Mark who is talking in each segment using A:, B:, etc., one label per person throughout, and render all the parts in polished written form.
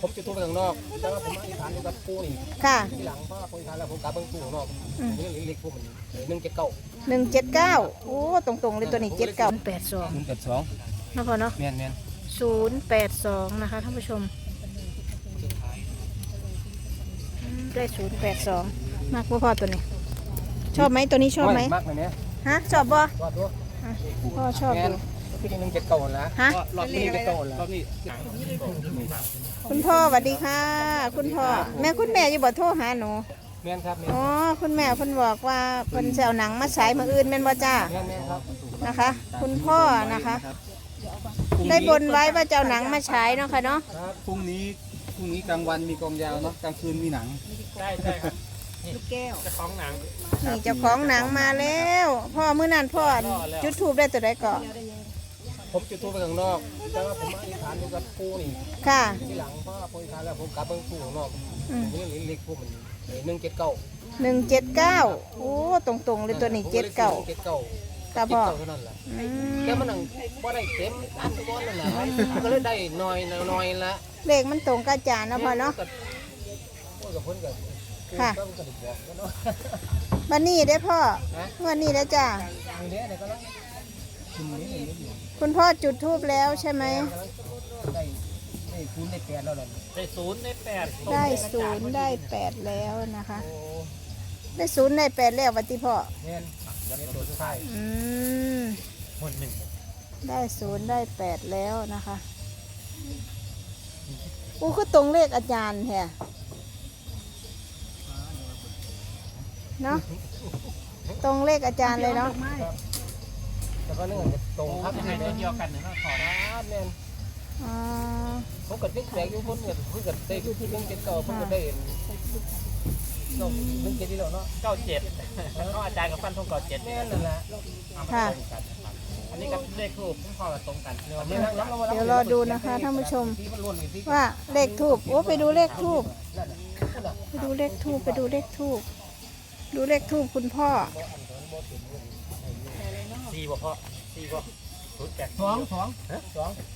A: ผมจะทุ่ไปข้างนอกแต่ว่าผมอธิษฐานอยู่กับปู่นี่
B: ค่ะ
A: ที่หลังเพราะว่าผมอธิษฐานแล้วผมกลับเบิ่งปู่ข้างนอกนี่เล็กๆพวกมัน179
B: 179โอ้ตรงๆเลยตัวนี้7982
A: 082
B: นะพ่อเนาะ
A: แม่น
B: 082นะคะท่านผู้ชมได้082มากบ่พ่อตัวนี้ชอบไหมตัวนี้ชอบไหม
A: มากเลยเนี่ย
B: ฮะชอบบ่
A: ชอบด้วย
B: พ่อชอบอยู่
A: พี่นึง179แล้ว
B: ฮะ
A: รอบนี้179แล้วรอบนี้
B: คุณพ่อสวัสดีค่ะคุณพ่อแม่คุณแม่อยู่บ่โทรหาหนู
A: แม่นครับ
B: อ๋อคุณแม่เพิ่นบอกว่าเพิ่นจะเอาหนังมาฉายมื้ออื่นแม่นบ่จ้า
A: แม่นครับ
B: นะคะ คุณพ่อนะคะได้บนไว้ว่าจะเอาหนังมาฉายเนาะค่ะเนาะ
A: พรุ่งนี้กลางวันมีกองยาวเนาะกลางคืนมีหนังได้ครับ
B: ลูกแก้ว
A: เจ้าของหนัง
B: นี่เจ้าของหนังมาแล้วพ่อมื้อนั้นพ่อจุดธูปได้ตัวใดก่อน
A: ผมจุดธูปไปข้างนอกแต่ว่าผมอธิษฐานอยู่กับปู่นี่
B: ค่ะ
A: ที่หลังเพราะว่าผมอธิษฐานแล้วผมกลับเบิ่งปู่ข้างนอกนี่เล็กๆพวกมัน
B: 179โอ้ตรงๆเลยตัวนี้79ค่ะพ่อ
A: เท่านั้นแหละแค่มันนั่งบ่ได้เต็มอันก้อนนั่นแหละก็เลยได้น้อยละ
B: เลขมันตรงกับอาจารย์นะพ่อเนาะ
A: โอ้ยกับเพิ่นก็
B: ค่ะวันนี้ได้พ่อวันนี้แล้วจ้าคุณพ่อจุดธูปแล้วใช่ไหม
A: ได้0ได้8แล้วล่ะได้0ได้8
B: ได้0ได้8แล้วนะคะได้0ได้8แล้ววันที่พ่อ
A: แม่นได้ตัวสุดท้ายหมด1
B: ได้0ได้8แล้วนะคะอู้คือตรงเลขอาจารย์แท้เนาะตรงเลขอาจารย์เลยเนาะ
A: แต่ก็นึกว่าตรงครับให้ได้เดียวกันนะขอรับแม่นผมก็ติ๊กแตกอยู่เพิ่นก็ได้คือที่179เพิ่นก็ได้ก็1.7ที่แล้วเนาะ97แล้วอาจารย์กับฟันธง97แม่นนั่นแหละ
B: ค่ะ
A: อันนี้ก็เลขทูปพ่อก็ตรงกัน
B: เดี๋ยวรอดูนะคะท่านผู้ชมว่าเลขทูปโอ้ไปดูเลขทูปไปดูเลขทูปดูเลขทูปคุณพ่อ
A: 4บ่พ่อ4บ่082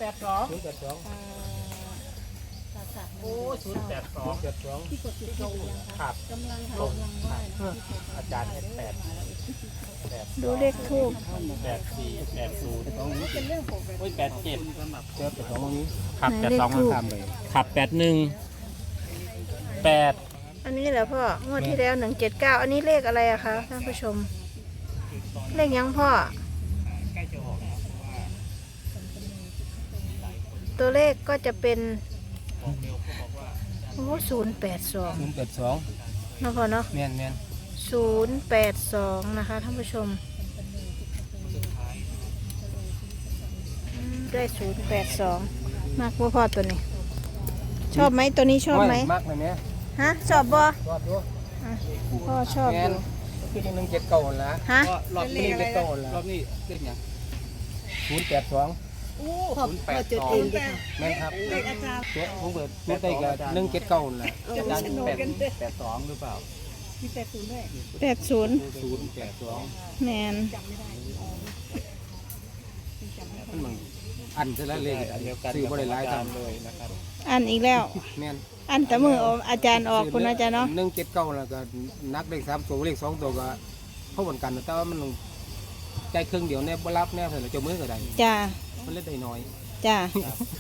A: โอ้082ที่กดติดครับลงอาจารย์8
B: ดูเลขทูป
A: 84 80โอ้ย87เจอ82ตรงนี้ขับ82มันทำเลยขับ81 8
B: อันนี้เหรอพ่องวดที่แล้ว179อันนี้เลขอะไรอะคะท่านผู้ชมเลขยังพ่อตัวเลขก็จะเป็นโอ้082นะพ่อเนาะ
A: แม่น
B: 082นะคะท่านผู้ชมได้082มากพ่อตัวนี้ชอบไหมตัวนี้ชอบไหม
A: มากเลยเนี่ย
B: ฮะชอบบ่พ่อชอบอยู่
A: พี่นึง179แล้ว
B: ฮะ
A: รอบนี้179แล้วรอบนี้เลขหยัง082
B: โอ้พ่อจดเองดิค่ะ
A: แม่ครับผมเปิดได้กับ179แหละอาจารย์82หรือเปล่า
B: มี80ด้วย80แม่น
A: มันอันซะแล้วเลขซื้อบ่ได้หลายตามเลยนะครับ
B: อันอีกแล้ว
A: แม่น
B: อันแต่มืออาจารย์ออกคุณอาจารย์เนาะ
A: 179แล้วก็นักเลข3ตัวเลข2ตัวก็เข้าเหมือนกันแต่ว่ามันใจครึ่งเดียวแน่บ่รับแน่เพิ่นเจ้ามือก็ได้
B: จ้า
A: มันเล่นได้น้อย
B: จ้า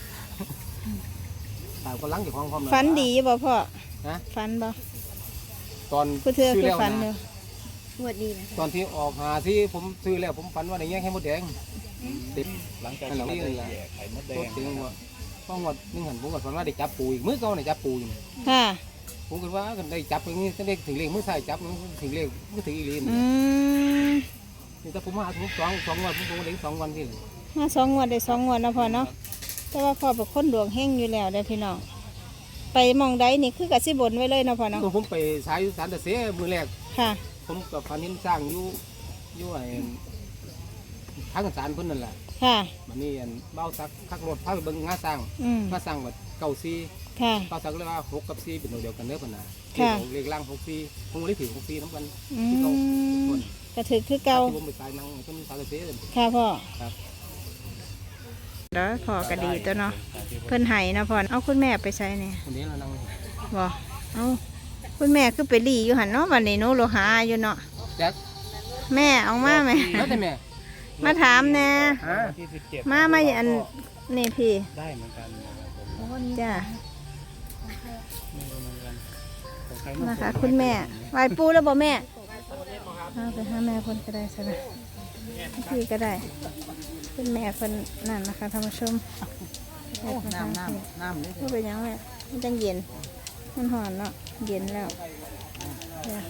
A: ตามกำลังจากความ
B: ฝันดีบ่พ่อฝันบ่
A: ตอน
B: ซื้อแล้วฝันอยู่งวดนี้นะ
A: ตอนที่ออกหาที่ผมซื้อแล้วผมฝันว่าได้แย่งไข่มดแดงติดหลังจากที่ไข่มดแดงตัวว่าพองวดนึงหันผมก็ฝันว่าได้จับปูอีกมื้อเก่าได้จับปูอยู่
B: ค่ะ
A: ผมคิดว่ากันได้จับอย่างนี้ได้ถึงเลขมื้อใส่จับถึงเลขมื้อถึงอีลีนนี่ถ้าผมมาทุก2 วันผมได้2 วันที่
B: มา2 งวดได้2 งวดนะพ่อเนาะแต่ว่าพ่อเป็นคนดวงเฮงอยู่แล้วได้พี่น้องไปมองใดนี่คือกะสิบนไว้เลยนะพ่อเนาะ
A: ผมไปสายสารตะเสมือแรก
B: ค่ะ
A: ผมกับพันนินสร้างอยู่ไอ้ทางสารพุ่นนั่นแหละ
B: ค่ะ
A: มันนี่เบ้าซักคักรถพาไปเบิ่งงาสร้างมาสร้างแบบ94
B: ค่ะ
A: เบ้าซักเลยว่า6กับ4เป็นตัวเดียวกันเด้อพุ่นน่ะเลขล่าง64ผมได้ถือ64น้ำกันที่เขา
B: ก็ถือคือเก่า
A: ผมไปสายนั่งต้นสารตะเสค่ะ
B: พ่อ
A: ครับ
B: เด้อพอก็ดีตัวเนาะเพิ่นให้เนาะพ่อเอาคุณแม่ไปใส่เนี่ย
A: คนนี้เรานั่ง
B: บ่เอาคุณแม่คือไปหลีอยู่หันเนาะวันนี้หนูโลหาอยู่เนาะ
A: แจ็ค
B: แม่เอามาไหม
A: แล้วแต่แม่
B: มาถามแน่
A: ฮะ
C: ที่17
B: มาอันนี่พี่
C: ได้เหมือนกันนะครับผม
B: จ้า
C: ไม่รู้เหมือนกันของใคร
B: นะคะคุณแม่ไหวปูแล้วบ่แม่เอาไปหาแม่คนก็ได้ซะนะพี่ก็ได้คุณแม่คนนั่นนะคะท่านผู้ชมน้ำเลยก็เป็นยังไงมันจังเย็นมันหอนเนาะเย็นแล้วจ้ะ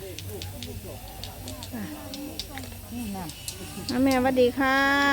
B: แม่สวัสดีค่ะ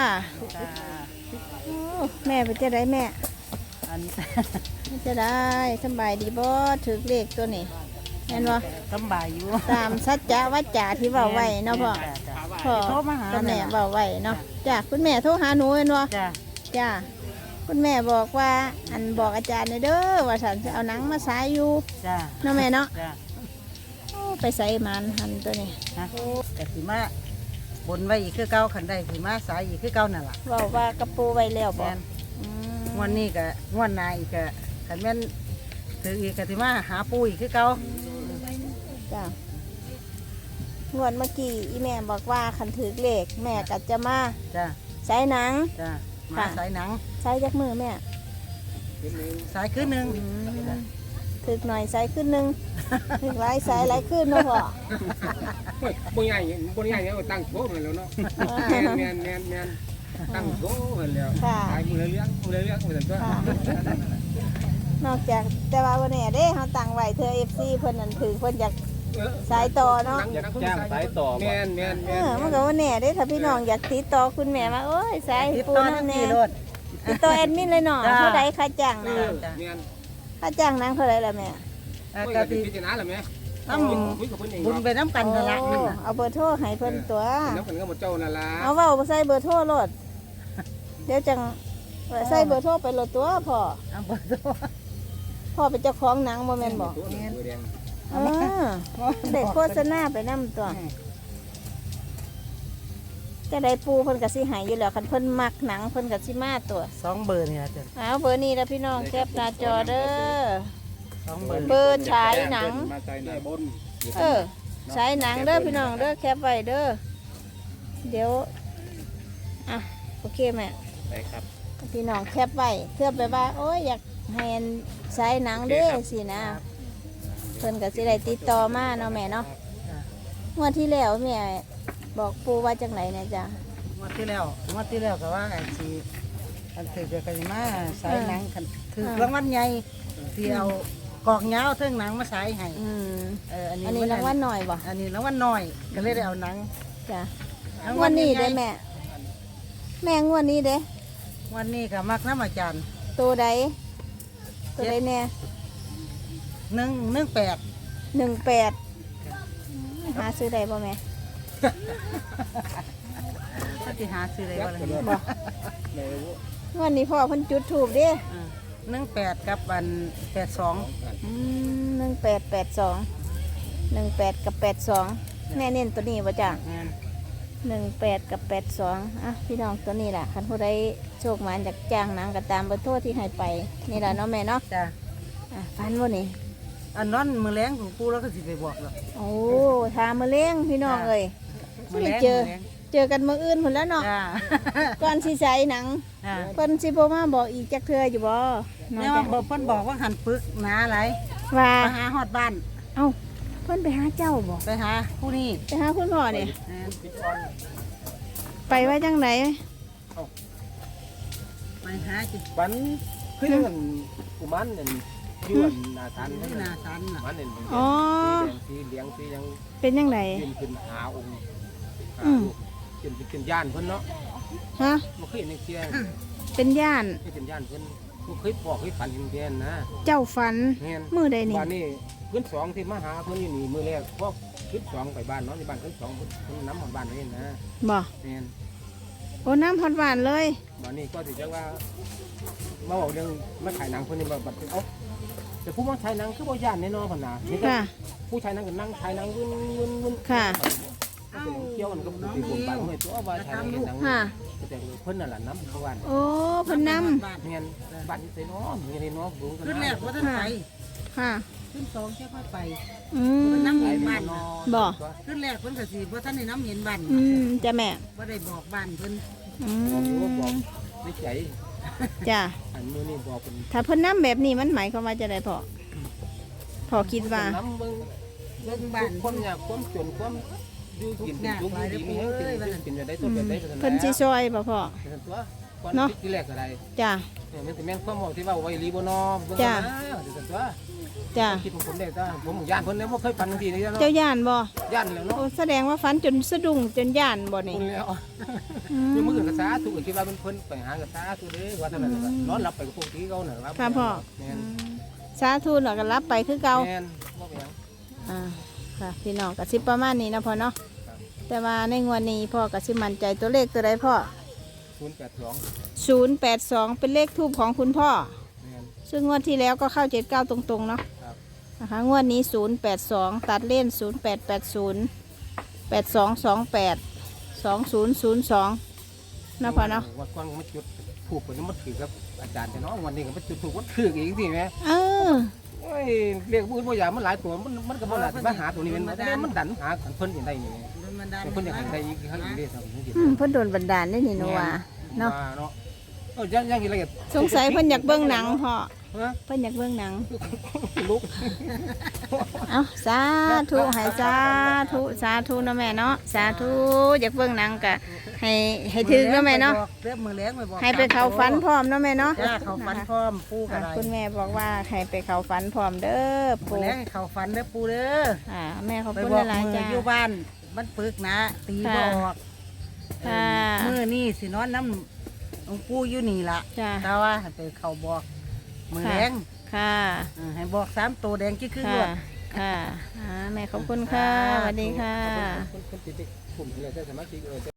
B: โอ้แม่เป็นจะได้แม่เป็นจะได้สบายดีบ่ถือเลขตัวนี้เห็นบ่
D: สำบายอยู่
B: ตามสัจจะวัจจะที่เว้าไว้เนาะพ่อพ่อ
D: โทรมาหา
B: กับแม่
D: น่ะ
B: เว้าไว้เนาะจ้ะคุณแม่โทรหาหนูเห็นบ่
D: จ้ะ
B: จ้ะคุณแม่บอกว่าอันบอกอาจารย์หน่อยเด้อว่าฉันจะเอาหนังมาสายอยู่
D: จ้ะ
B: เนาะแม่เนาะ
D: จ้ะ
B: โอ้ไปใส่มันหันตัวนี้
D: ฮะแต่สิมาบนไว้อีกคือเก่าขันได้สิมาสายอีกคือเก่านั่นล่ะ
B: เว้าว่ากระปูไว้แล้วบ่
D: แม่น
B: อืม
D: งวดนี้ก็งวดหน้าอีกก็ขันแม่นถืออีกก็สิมาหาปูอีกคือเก่า
B: จ้ะงวดเมื่อกี้อีแม่บอกว่าคันถือเลขแม่ก็จะมา
D: จ้ะ
B: ใส่หนัง
D: จ้ะมา
B: ค่ะ
D: สายหนัง
B: ใส่จักมือแม่
D: สายคืนหนึง
B: ถึกหน่อยใส่ขึ้นหนึงถึกหลายใส่หลายขึ้นเนาะพ่อ
A: บ่ใหญ่บ่ใหญ่เนี่ยตั้งโชว์เหมือนแล้วเนาะแม่นตั้งโชว์เหมือนแล้ว
B: ค่ะ
A: ขายมือละเลี้ยงเหมือนตัว
B: ค่ะ นอกจากแต่ว่าวันนี้เด้เขาตั้งไว้เธอ FC เพิ่นนั่นถือเพิ่นอยากสายต่อเนาะ
A: อยากจ้างสายต่อแม่น
B: มันก็ว่าแน่เด้ถ้าพี่น้องอยากติดต่อคุณแม่ว่าโอ้ยสาย
D: ติด
B: ปู
D: ต่อ
B: นั่
D: ทั้
B: น
D: ง
B: แน่
D: ที่รถ
B: ติดต่อแอดมินเลยเนาะ
D: จ้า
B: เท่าใดค่าจ้าง
A: เอ
B: นะ
A: อแม่น
B: ค่าจ้างนางเท่าไหร่ล่ะแม่
A: ก็
D: ก็
A: สิ
D: สิ
A: พิจารณาแล้วแม่
D: น้ำ
A: คุยกับเพิ่นเอง
D: บุญไปน้ำกันนั่นละนั่นน่ะ
B: เอาเบอร์โทรให้เพิ่นตัว
A: แล้วเพิ่นก็บ่เจ้านั่นล่ะ
B: เอาเว้าใส่เบอร์โทรโลดเดี๋ยวจังใส่เบอร์โทรไปโลดตัวพ่อ
D: เอาเบอร์โทร
B: พ่อเป็นเจ้าของหนังบ่แม่นบ่ เออเด็กโฆษณาไปนำตัวจะได้ปูเพิ่นก็สิใหายอยู่แล้วคันเพิ่นมักหนังเพิ่นก็สิมาตัว
D: 2 เบอร์นี่ล่ะจ้ะ
B: เอาเบอร์นี้แล้วพี่น้องแคปหน้าจอเด้อ
D: 2 เบอร์
B: เบอร์ฉายหนัง
C: มาใจหน่อยบน
B: เออฉายหนังเด้อพี่น้องเด้อแคปไว้เด้อเดี๋ยวอ่ะโอเคแม่
C: ไปครับ
B: พี่น้องแคปไว้เพื่อไปว่า โอ้ยอยากให้อันฉายหนังเด้อสินะเพิ่นก็สิได้ติดต่อมาเนาะแม่เนาะงวดที่แล้วแม่บอกปูว่าจังไหนเนี่ยจ้ะ
D: งวดที่แล้วก็ว่าไอ้สิอันถือก็สิมาสายหนังคันถือรางวัลใหญ่ที่เอากอกยาวเทิงหนังมาสายให้
B: อืม
D: อัน
B: อันนี้
D: นี้
B: รางวัลหน่อยบ่
D: อันนี้รางวัลน้อยก็เลยได้เอาหนัง
B: จ้ะ
D: ราง
B: ง
D: วั
B: ว
D: ล
B: ดนี้
D: ใหญ่
B: เด้แม่ แม่งวดนี้เด้
D: วันนี้ก็มักน้ำอาจารย์
B: ตัวใดตัวใดแน่
D: 118
B: 18หาซื้อได้บ่แม่
D: ถ้าสิหาซื้อได้บ่ล่ะ
B: บ่
C: ไม่รู้
B: งวดนี้พ่อเพิ่นจุดถูกเด้
D: 18กับอัน82
B: อืม1882 18กับ82แม่เน้นตัวนี้บ่จ้ะ
D: แม่น
B: 18กับ82อ่ะพี่น้องตัวนี้ล่ะคันผู้ใดโชคหมานจากจ้างหนังก็ตามเบอร์โทรที่ให้ไปนี่ล่ะเนาะแม่เนาะ
D: จ้ะ
B: อ่ะฟันบ่นี่
D: อันนั้นมื้อแลงของปู่แล้วก็สิไปบอกแล้ว
B: โอ้ทามื้อเลี้ยงพี่น้องเอ้ย
D: มื้อแลง
B: เจอกันมื้ออื่นพุ่นแล้วเนาะ
D: จ้า
B: ก่อนสิใช้หนัง
D: จ้า
B: เพิ่นสิบ่มาบอกอีกจักเทื่ออยู่บ่น้อง
D: แม่
B: จ๊ะ
D: ว่าบอกเพิ่นบอกว่าหันปึกหนาหลาย
B: ว่า
D: ไปหาฮอดบ้าน
B: เอ้าเพิ่นไปหาเจ้าบ่
D: ไปหาผู้นี้
B: ไปหาคุณพ่อนี่
D: แม่น
B: ไปไว้จังไหน
D: ไปหาจิต
A: ฝันคือจังกุมารนั่นอยู่อันหน้าศาลนั่น
D: ที่นา
A: น่ะ
D: สันน่ะ
A: มันนั่น
B: อ๋อ
A: สีเหลืองสียัง
B: เป็นจังได
A: ขึ้นหาองค์
B: อืม
A: เป็นย่านเพิ่นเนาะ
B: ฮะ
A: บ่เคยเห็นจังเที่ย
B: เป็นย่าน
A: เป็นย่านเพิ่นบ่เคยบอกเคยฝันเห็นเพิ่นนะ
B: เจ้าฝัน
A: แม่น
B: มื้อใดนี่
A: บ้านนี้ขึ้นสองที่มาหาเพิ่นอยู่นี่มื้อแรกพวกขึ้นสองไปบ้านเนาะที่บ้านขึ้นสองเพิ่นนำมาบ้านนี่นะ
B: บ่
A: แม่น
B: โอ้น้ำฮอดหวานเลย
A: บ้านนี้ก็สิจักว่ามาบอกเรื่องมาขายหนังเพิ่นนี่บัดเอ้าแต่ผู้มาขายหนังคือบ่ย่านแน่นอนพุ่นน่ะนี่ก็
B: ค่ะ
A: ผู้ชายนั่งก็นั่งขายหนังวุ่น
B: ค่ะ
D: อ้าว
A: เกี่ยวกันกับผู้ที่บุญบานเมื่อตัวว่าชายเห็นหนัง
B: ค่ะ
A: แต่เพิ่นน่ะล่ะน้ำเพราะว่า
B: โอ้เพิ่นนำ
A: เงี้ยบัตรใส่น้องเงี้ยน้องบุ้งกัน
D: ขึ้นแรกว่าท่านไป
B: ค่ะ
D: ขึ้นสองแค่ค่อยไป
B: อืม
D: น้ำเห็นบ้าน
B: บ่
D: ขึ้นแรกเพิ่นก็สิว่าท่านในน้ำเห็นบ้าน
B: จ้ะแม่
D: ว่าได้บอกบ้านเพิ่น
A: บอกอยู่ว่าบอกไม่ใจ
B: จ้ะ
A: อันมือนี่บอกเป็น
B: ถ้าเพิ่นนำแบบนี้มันหมายความว่าจะได้พ่อคิดว่า
A: น้ำเบิ่ง
D: เบิ่งบ้าน
A: ความยากความจนความอยู่กินทุกข์ดีมีให้เป็นแบบได้ตัวแบบได้
B: เพิ่นสิซอยบ่พ่อ
A: เป็นตัวก่อนที่แรกอะไร
B: จ้ะ
A: มันสิแม่นความบอกที่ว่าไว้รีบ่นอเบิ่งนะเป็นตัว
B: จ้ะ
A: คิดของผมได้จ้าผมย่านเพิ่นแล้วบ่เคยฝันทีนี้เนาะ
B: เจ้าย่านบ่
A: ย่านแล้วเนาะ
B: โอ้แสดงว่าฝันจนสะดุ้งจนย่านบ่นี่
A: คุณแล้วอยู่มื้ออื่นก็สาธุคิดว่าเป็นเพิ่นไปหาก็สาธุเด้ว่าเท่านั้นนอนหลับไปกับพวกที่เขาน่ะครับ
B: ค่ะพ่อ
A: แม่น
B: สาธุแล้วก็รับไปคือเก่า
A: แม่นบ่เป็นหยัง
B: ค่ะพี่น้องก็สิประมาณนี้นะพ่อเนาะแต่ว่าในงวดนี้พ่อก็สิมั่นใจตัวเลขตัวใดพ่อ
A: 082
B: 082 เป็นเลขทูปของคุณพ่อ
A: แม่น
B: ซึ่งงวดที่แล้วก็เข้า79ตรงๆเนาะ
A: ครับ
B: นะคะงวดนี้ 082 ตัดเล่น 0880 8228 2002นะพ่อเนาะ
A: วันก่อนก็มาจุดถูกเพิ่นมาถือกับอาจารย์แต่เนาะวันนี้ก็มาจุดถูกว่าถืออีกสิแม่
B: เออ
A: โอ้ยเรียกมือบ่อยากมันหลายตัวมันก็บ่น่าสิมาหาตัวนี้มันดันหาเพิ่นอย่างใดนี่
D: โดนบันดาล
A: เพิ่นอยากให้ได้อีกครั้งอีกเด้อครับ
B: เพิ่นโดนบันดาลได้นี่หนูว่าเนาะ
A: เนาะยังอีกละเอียด
B: สงสัยเพิ่นอยากเบิ่งหนังพ่อ
A: ฮะ
B: เพิ่นอยากเบิ่งหนัง
A: ลุก
B: เอาสาธุให้สาธุนะแม่เนาะสาธุอยากเบิ่งหนังกะให้ถึงเนาะแม่เนาะ
D: เรียบมือแรงไปบอก
B: ให้ไปเข้าฝันพร้อมเนาะแม่เนาะ
D: จ้าเขาฝันพร้อมปูกระ
B: อ่ะ
D: ไร
B: คุณแม่บอกว่าให้ไปเข้าฝันพร้อมเด้อ
D: มือ
B: ปู่
D: แรงให้เขาฝันเด้อปูเด้อ
B: แม่ขอบ
D: ไป
B: คุณ
D: บอก
B: หลาย
D: มื
B: ๆ
D: อ
B: จ้า
D: อยู่บ้านมันปึกนะตี
B: ค่ะ
D: บอก
B: ค่ะ
D: มือนี่สินอนน้ำหลวงปู่อยู่นี่ล่ะ
B: จ้า
D: แต่ว่าให้ไปเขาบอกมือแรง
B: ค่ะ
D: ให้บอก3ตัวแดงกี่ครึ่ง
B: ค่ะ
D: ด้วย
B: ค่ะแม่ขอบคุณค่ะสวัสดีค่ะ
A: คนติดกลุ่มเลยได้สมาชิก